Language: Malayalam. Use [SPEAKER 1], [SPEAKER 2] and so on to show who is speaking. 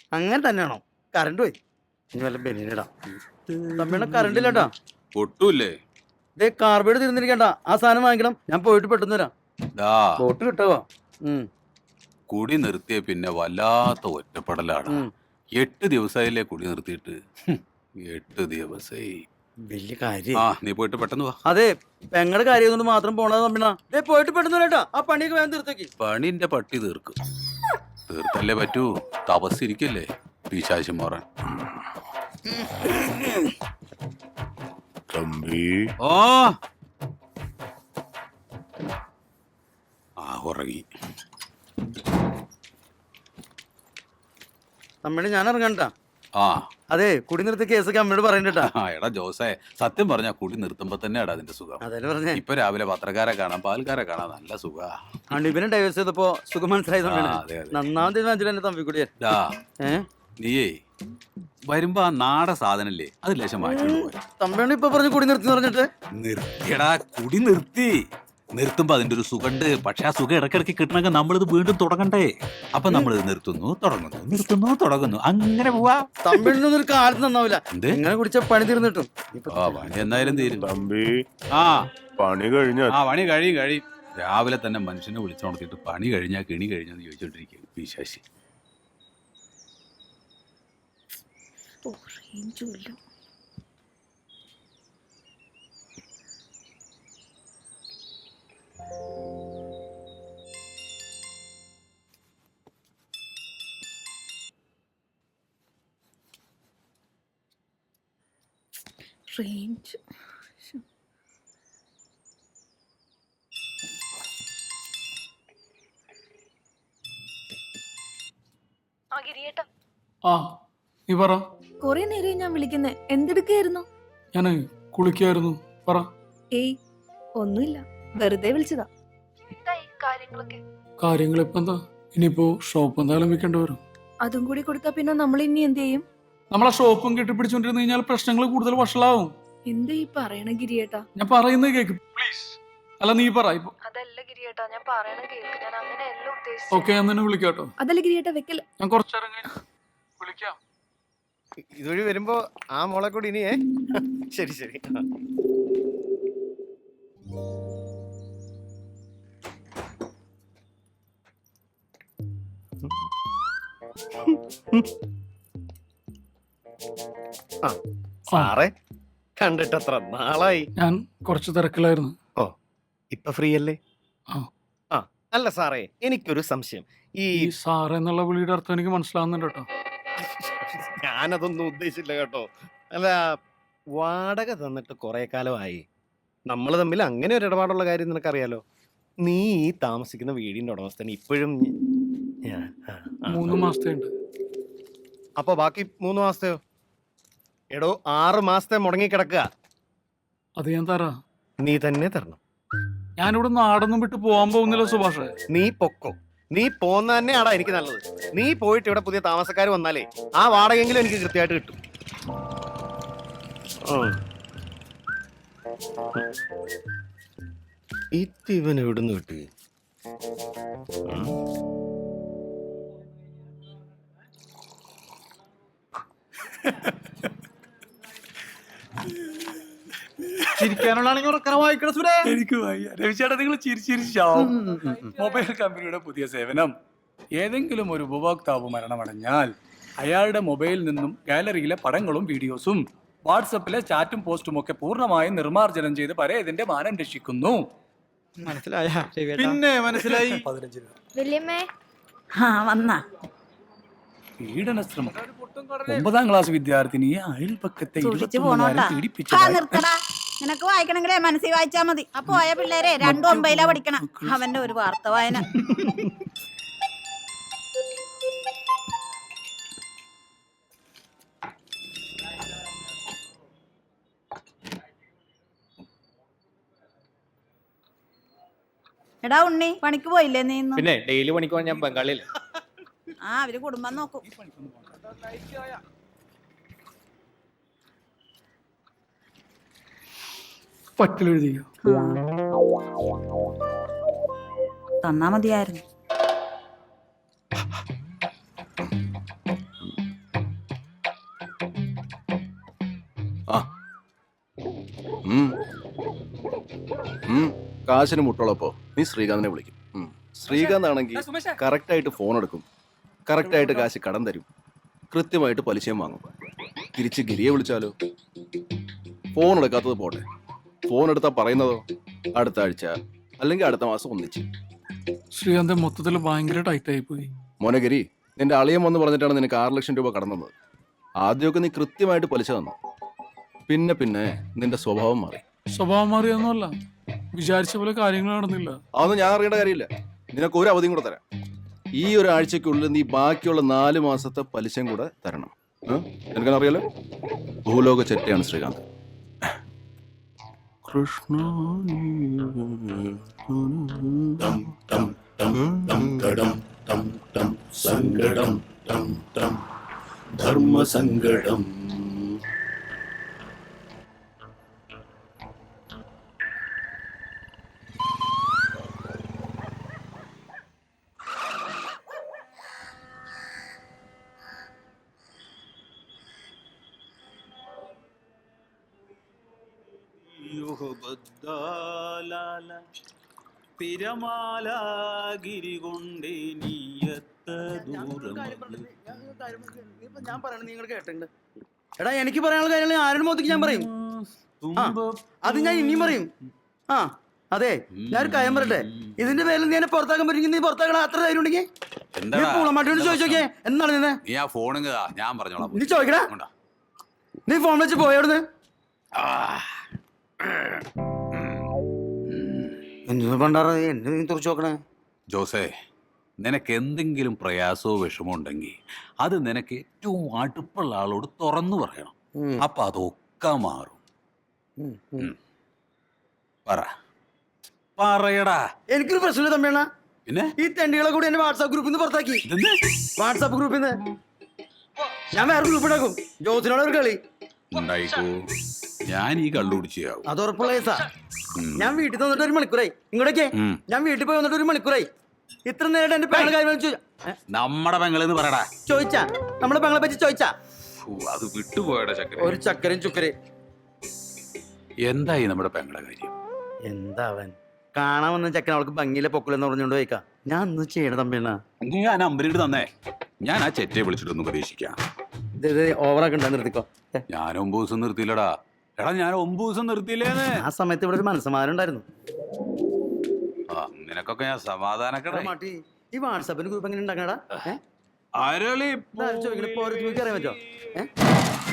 [SPEAKER 1] അങ്ങനെ തന്നെയാണോ? കറണ്ട് പോയി. ഇനി വല്ല ബെനിനിടാം. തമ്മിയുടെ കറണ്ട് ഇല്ലട്ടാ.
[SPEAKER 2] ഒട്ടൂല്ലേ?
[SPEAKER 1] കാർബൈഡ് തീർന്നിരിക്കണ്ട. ആ സാധനം വാങ്ങിക്കണം. ഞാൻ പോയിട്ട് പെട്ടെന്ന് വരാം. ബോട്ട് കിട്ടുവോ?
[SPEAKER 2] കുടി നിർത്തിയ പിന്നെ വല്ലാത്ത ഒറ്റപ്പെടലാണ്. 8 ദിവസമായില്ലേ കുടി നിർത്തിയിട്ട്. 8 ദിവസമായി.
[SPEAKER 1] വലിയ കാര്യം.
[SPEAKER 2] നീ പോയിട്ട് പെട്ടെന്ന് വാ.
[SPEAKER 1] അതെ, പെങ്ങളുടെ കാര്യം കൊണ്ട് മാത്രം പോണത് തമ്മിണ. പോയിട്ട് പെട്ടെന്ന് വരാട്ടാ. ആ പണിയൊക്കെ വേഗം തീർത്തേക്ക്.
[SPEAKER 2] പണിന്റെ പട്ടി തീർക്കും. തീർത്തല്ലേ പറ്റൂ. തപസ്സിരിക്കല്ലേ പിശാച് മോറൻ.
[SPEAKER 3] തമ്പി
[SPEAKER 2] ഉറങ്ങി.
[SPEAKER 1] തമ്മിണ ഞാൻ ഇറങ്ങണ്ടാ. അതെ, കുടി നിർത്തിയ കേസൊക്കെ അമ്മയോട് പറയണ്ടാ.
[SPEAKER 2] എടാ ജോസേ, സത്യം പറഞ്ഞാ കുടി നിർത്തുമ്പോ തന്നെ എടാ അതിന്റെ സുഖം.
[SPEAKER 1] അതല്ലേ പറഞ്ഞേ.
[SPEAKER 2] ഇപ്പൊ രാവിലെ പത്രക്കാരെ കാണാം, പാൽക്കാരെ കാണാം, നല്ല സുഖാ.
[SPEAKER 1] അണിബിനെ ഡൈവേഴ്സ് ചെയ്തപ്പോ സുഖം മനസ്സിലായതുകൊണ്ടാണ്. നന്നാം തീരുമാനിച്ചില്ല എന്റെ തമ്പി കൂടിയ.
[SPEAKER 2] നീയേ വരുമ്പോ ആ നാട സാധനല്ലേ അത് ലേശം മാറ്റിക്കൊണ്ട് പോയി.
[SPEAKER 1] തമ്പിയാണ് ഇപ്പൊ പറഞ്ഞു കുടി നിർത്തി പറഞ്ഞിട്ട്.
[SPEAKER 2] നിർത്തിയടാ, കുടി നിർത്തി. നിർത്തുമ്പോ അതിന്റെ ഒരു സുഖണ്ട്. പക്ഷെ ആ സുഖം ഇടയ്ക്കിടയ്ക്ക് കിട്ടണമെങ്കിൽ നമ്മളിത് വീണ്ടും തുടങ്ങണ്ടേ. അപ്പൊ നമ്മളിത് നിർത്തുന്നു, തുടങ്ങുന്നു, നിർത്തുന്നു, തുടങ്ങുന്നു, അങ്ങനെ പോവാ.
[SPEAKER 1] തമ്പിളിനൊന്നും ഒരു കാലത്ത് നന്നാവില്ല. ഇങ്ങനെ കുടിച്ച പണി തീർന്നിട്ടും.
[SPEAKER 2] പണി എന്തായാലും തീരും
[SPEAKER 3] തമ്പി.
[SPEAKER 2] പണി കഴിഞ്ഞ പണി കഴിയും. രാവിലെ തന്നെ മനുഷ്യനെ വിളിച്ചുണർത്തിയിട്ട് പണി കഴിഞ്ഞാ കിണി കഴിഞ്ഞാന്ന് ചോദിച്ചോണ്ടിരിക്കും വിശേഷി.
[SPEAKER 4] റേഞ്ച്
[SPEAKER 5] നീ പറ.
[SPEAKER 4] കൊറേ നേരം ഞാൻ വിളിക്കുന്നേ. എന്തെടുക്കായിരുന്നു?
[SPEAKER 5] ഞാൻ കുളിക്കായിരുന്നു. പറ.
[SPEAKER 4] ഏയ് ഒന്നുമില്ല, വെറുതെ വിളിച്ചതാ.
[SPEAKER 5] കാര്യങ്ങൾ ഇപ്പൊ എന്താ? ഇനിയിപ്പോ ഷോപ്പ് എന്തായാലും വെക്കേണ്ടി വരും.
[SPEAKER 4] അതും കൂടി കൊടുത്താ പിന്നെ നമ്മൾ ഇനി എന്ത് ചെയ്യും?
[SPEAKER 5] നമ്മളെ ഷോപ്പും കെട്ടിപ്പിടിച്ചോണ്ടിരുന്നു കഴിഞ്ഞാൽ പ്രശ്നങ്ങൾ കൂടുതൽ വഷളാവും.
[SPEAKER 4] എന്താ ഈ പറയണ ഗിരിയേട്ടാ?
[SPEAKER 5] ഞാൻ പറയുന്നത് കേക്ക് പ്ലീസ്. അല്ല നീ പറ.
[SPEAKER 4] അതല്ല ഗിരിയേട്ടാ, ഞാൻ പറയണ കേൾക്ക്. ഞാൻ അങ്ങനെയല്ല ഉദ്ദേശിച്ചത്.
[SPEAKER 5] ഓക്കെ, ഞാൻ തന്നെ വിളിക്കാട്ടോ.
[SPEAKER 4] അതല്ല ഗിരിയേട്ടാ, വെക്കല.
[SPEAKER 5] ഞാൻ കുറച്ചിറങ്ങി വിളിക്കാം.
[SPEAKER 1] ഇതുവഴി വരുമ്പോ ആ മോളെ കൂടി ഇനിയേ. ശരി ശരി. സാറേ, കണ്ടിട്ട് അത്ര നാളായി.
[SPEAKER 5] ഞാൻ കുറച്ച് തിരക്കിലായിരുന്നു.
[SPEAKER 1] ഇപ്പൊ ഫ്രീ അല്ലേ? അല്ല സാറേ, എനിക്കൊരു സംശയം. ഈ
[SPEAKER 5] സാറേ എന്നുള്ള വിളിയുടെ അർത്ഥം എനിക്ക് മനസ്സിലാവുന്നുണ്ട് കേട്ടോ.
[SPEAKER 1] ഞാനതൊന്നും ഉദ്ദേശിച്ചില്ല കേട്ടോ. അല്ല, വാടക തന്നിട്ട് കുറെ കാലമായി. നമ്മൾ തമ്മിൽ അങ്ങനെ ഒരു ഇടപാടുള്ള കാര്യം നിനക്കറിയാലോ. നീ ഈ താമസിക്കുന്ന വീടിന്റെ ഉടമസ്ഥന് ഇപ്പോഴും
[SPEAKER 5] 3 മാസത്തെ ഉണ്ട്.
[SPEAKER 1] അപ്പൊ ബാക്കി 3 മാസത്തെയോ? എടോ, 6 മാസത്തെ മുടങ്ങി കിടക്കുക.
[SPEAKER 5] അത് ഞാൻ തരാ.
[SPEAKER 1] നീ തന്നെ തരണം.
[SPEAKER 5] ഞാനിവിടെ നാടൊന്നും വിട്ട് പോകാൻ പോകുന്നില്ല സുഭാഷേ.
[SPEAKER 1] നീ പൊക്കോ. നീ പോന്ന തന്നെയാടാ എനിക്ക് നല്ലത്. നീ പോയിട്ട് ഇവിടെ പുതിയ താമസക്കാർ വന്നാലേ ആ വാടകയെങ്കിലും എനിക്ക് കൃത്യമായിട്ട് കിട്ടും. ഇവൻ എവിടുന്ന് കിട്ടി?
[SPEAKER 5] ചിരിക്കാനുള്ളതാണെങ്കിൽ ഉറക്കണം വായിക്കണം സുരേ. എനിക്ക് രവിചേട്ടാ, നിങ്ങൾ ചിരിച്ചിരിച്ചോ? മൊബൈൽ കമ്പനിയുടെ പുതിയ സേവനം. ഏതെങ്കിലും ഒരു ഉപഭോക്താവ് മരണമടഞ്ഞാൽ അയാളുടെ മൊബൈലിൽ നിന്നും ഗാലറിയിലെ പടങ്ങളും വീഡിയോസും വാട്സപ്പിലെ ചാറ്റും പോസ്റ്റും ഒക്കെ പൂർണ്ണമായും നിർമ്മാർജ്ജനം ചെയ്ത് പരേതിന്റെ മാനം രക്ഷിക്കുന്നു. പിന്നെ മനസ്സിലായി. 15 രൂപ. പീഡനശ്രമം. 9ാം ക്ലാസ് വിദ്യാർത്ഥിനിയെ അയൽപക്കത്തെ
[SPEAKER 6] നിനക്ക് വായിക്കണമെങ്കിലേ മനസ്സിൽ വായിച്ചാ മതി. അപ്പൊ പോയ പിള്ളേരെ 2-9 പഠിക്കണം. അവന്റെ ഒരു വാർത്ത വായന. എടാ ഉണ്ണി, പണിക്ക് പോയില്ലേ നീ?
[SPEAKER 1] പിന്നെ ഡെയിലി പണിക്ക് പോകാൻ ഞാൻ ബംഗാളിൽ.
[SPEAKER 6] അവര് കുടുംബം നോക്കും.
[SPEAKER 5] പറ്റിലെഴുതിയോ?
[SPEAKER 6] തന്നാ മതിയായിരുന്നു.
[SPEAKER 3] കാശിന് മുട്ടുള്ളപ്പോ നീ ശ്രീകാന്തിനെ വിളിക്കും. ശ്രീകാന്ത് ആണെങ്കിൽ കറക്റ്റായിട്ട് ഫോൺ എടുക്കും, കറക്റ്റായിട്ട് കാശ് കടം തരും, കൃത്യമായിട്ട് പലിശയും വാങ്ങും. തിരിച്ച് ഗിരിയെ വിളിച്ചാലോ? ഫോൺ എടുക്കാത്തത് പോട്ടെ, ഫോൺ എടുത്താൽ പറയുന്നതോ അടുത്ത ആഴ്ച അല്ലെങ്കിൽ അടുത്ത മാസം ഒന്നിച്ച്.
[SPEAKER 5] ശ്രീകാന്ത് മൊത്തത്തിൽ ഭയങ്കര ടൈറ്റ് ആയി പോയി.
[SPEAKER 3] മോനെ ഗിരി, നിന്റെ അളിയൻ വന്ന് പറഞ്ഞിട്ടാണ് നിനക്ക് 6 ലക്ഷം രൂപ കടം തന്നത്. ആദ്യമൊക്കെ നീ കൃത്യമായിട്ട് പലിശ തന്നു, പിന്നെ പിന്നെ നിന്റെ സ്വഭാവം മാറി.
[SPEAKER 5] സ്വഭാവം മാറിയൊന്നുമല്ല, വിചാരിച്ച പോലെ കാര്യങ്ങൾ നടന്നില്ല.
[SPEAKER 3] അതൊന്നും ഞാൻ അറിയേണ്ട കാര്യമില്ല. നിനക്ക് ഒരു അവധിയും കൂടെ തരാം. ഈ ഒരാഴ്ചക്കുള്ളിൽ നീ ബാക്കിയുള്ള 4 മാസത്തെ പലിശയും കൂടെ തരണം. എനിക്കറിയാലോ, ഭൂലോക ചെറ്റയാണ് ശ്രീകാന്ത്. കൃഷ്ണ സങ്കടം ധർമ്മസങ്കടം.
[SPEAKER 7] ഞാൻ പറയണത് നിങ്ങൾ കേട്ടിട്ടുണ്ട്. എടാ, എനിക്ക് പറയാനുള്ള കാര്യങ്ങൾ ആരുടെ മുഖത്തേക്ക് ഞാൻ പറയും. അത് ഞാൻ ഇനിയും പറയും. അതെ, ഞാനൊരു കാര്യം പറയട്ടെ. ഇതിന്റെ പേരിൽ നീ എന്നെ പുറത്താക്കാൻ പറ്റുമെങ്കിൽ നീ പുറത്താക്കണം. അത്ര ധൈര്യം ഉണ്ടെങ്കിൽ പൂളമാട്ടിയോട് ചോദിച്ചോക്കേ. എന്താണ് നിന്നെ നീ ചോദിക്കടാ. നീ ഫോൺ വെച്ച് പോയോടുന്ന് എന്ത് പണ്ടാറ എന്നെ നീ തുറച്ചു നോക്കണേ.
[SPEAKER 2] ജോസേ, നിനക്ക് എന്തെങ്കിലും പ്രയാസമോ വിഷമോ ഉണ്ടെങ്കിൽ അത് നിനക്ക് ഏറ്റവും അടുപ്പുള്ള ആളോട് തുറന്നു പറയണം. അപ്പൊ അതൊക്കെ മാറും. പറയടാ.
[SPEAKER 7] എനിക്കൊരു പ്രശ്നമില്ല തമ്മിയാണ്.
[SPEAKER 2] പിന്നെ
[SPEAKER 7] ഈ തെണ്ടികളെ കൂടി എന്നെ വാട്സാപ്പ് ഗ്രൂപ്പിൽ നിന്ന് പുറത്താക്കി. വാട്സാപ്പ് ഗ്രൂപ്പിൽ നിന്ന് ഞാൻ വേറെ ഗ്രൂപ്പ് ഉണ്ടാക്കും. ജോസിനോട് ഒരു കളി
[SPEAKER 2] ഉണ്ടായിക്കോ. ഞാൻ ഈ കള്ളുപിടിച്ചാവും.
[SPEAKER 7] അത് ഉറപ്പുള്ള കേസാ. ഞാൻ വീട്ടിൽ വന്നിട്ട് 1 മണിക്കൂറായി. ഇങ്ങോട്ടേക്ക് ഞാൻ വീട്ടിൽ പോയി വന്നിട്ട് 1 മണിക്കൂറായി. ഇത്ര നേരം എന്റെ പെങ്ങളെ കാര്യം
[SPEAKER 2] നമ്മടെ പെങ്ങളെന്ന് പറയടാ.
[SPEAKER 7] ചോദിച്ചാ നമ്മളെ പെങ്ങളെ പറ്റി ചോദിച്ചാ
[SPEAKER 2] അത് വിട്ടുപോയടാ ചക്കര.
[SPEAKER 7] ഒരു ചക്കരയും ചുക്കരയും.
[SPEAKER 2] എന്തായി നമ്മുടെ പെങ്ങളെ കാര്യം?
[SPEAKER 7] എന്താവൻ കാണാൻ വന്ന ചക്കൻ അവൾക്ക് ഭംഗിയിലെ പൊക്കലെന്ന് പറഞ്ഞുകൊണ്ട് പോയിക്കാ. ഞാൻ ഒന്ന് ചെയ്യണ തമ്പിണ്ണ.
[SPEAKER 2] നീ ആ നമ്പറിട്ട് തന്നേ, ഞാൻ ആ ചെറ്റയെ വിളിച്ചിട്ടൊന്ന് പ്രതീക്ഷിക്കാം.
[SPEAKER 7] ഓവറാക്കി ഉണ്ടാ നിർത്തിക്കോ.
[SPEAKER 2] ഞാൻ 9 ദിവസം നിർത്തിയില്ലടാ. എടാ, ഞാൻ 9 ദിവസം നിർത്തിയില്ലേന്ന്.
[SPEAKER 7] ആ സമയത്ത് ഇവിടെ ഒരു മനസ്സമാരം ഉണ്ടായിരുന്നു.
[SPEAKER 2] നിനക്കൊക്കെ ഞാൻ സമാധാനക്കട.
[SPEAKER 7] മാട്ടി ഈ വാട്സാപ്പിന് ഗ്രൂപ്പ് എങ്ങനെ ഉണ്ടാക്കണടാ?
[SPEAKER 2] അരളി
[SPEAKER 7] ചോദിക്കണ അറിയാൻ പറ്റോ?